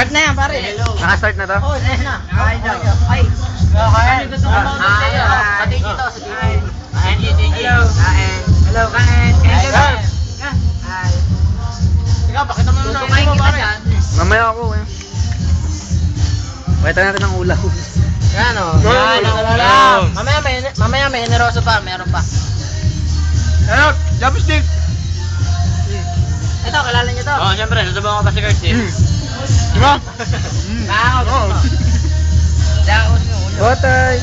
Start na yan, pare. Naka-start na to? Oo, start na. Kain daw. Ay. Kain. Sa TV to, sa TV. Kain, Hello. Kain. Hello, kain. Kain ka. Ay. Teka, bakit naman kumain kita dyan? Mamaya ako eh. Pakita natin ang ulaw. Yan o. Yan ang ulam. Mamaya may generoso pa, meron pa. Ano? Chopstick! Ito, kilala niyo to? Oo, siyempre, susubukan ko pa si Kurt eh. Diba? Daos. Daos yung ulo. Botay!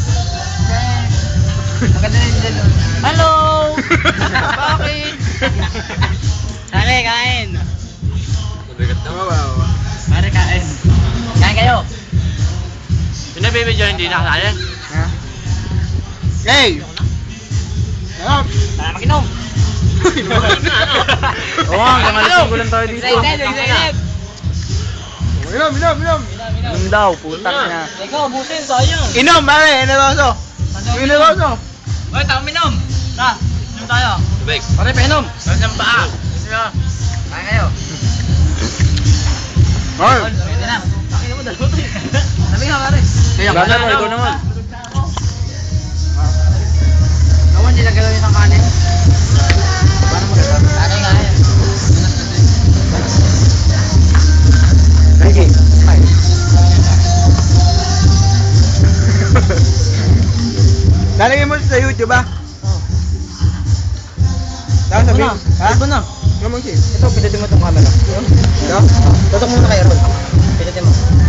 Maganda rin dyan. Hello! Bakit? Kare, kain. Mabigat na. Pare, kain. Kain kayo. Pinabibidyo hindi nakasali. Hey! Ano? Para mag-inom. Oo nga, hanggang alas 5 lang tayo dito. Excited. Inom! Inom daw, putang niya. Ikaw, busin, sayang. Inom, pare! Generoso! Generoso! Hoy, tao minom. Na, inom tayo. Tubig. Pare, painom. Pare, ng paa. Gusto nyo? Kain kayo. Ay! Pwede na. Kain mo, dalawa to eh. Sabi nga, pare. Brother, ikaw naman. Gawan nila gawin ng kanin. Paano maganda? Kanin nga yan. Sige. Lalagay mo sa YouTube ba? Oo. Tapos sabihin, ha? Iba na. Ano mo siya? Ito, pindutin mo itong camera. Ito? Tutok mo na kay Ron. Pindutin mo.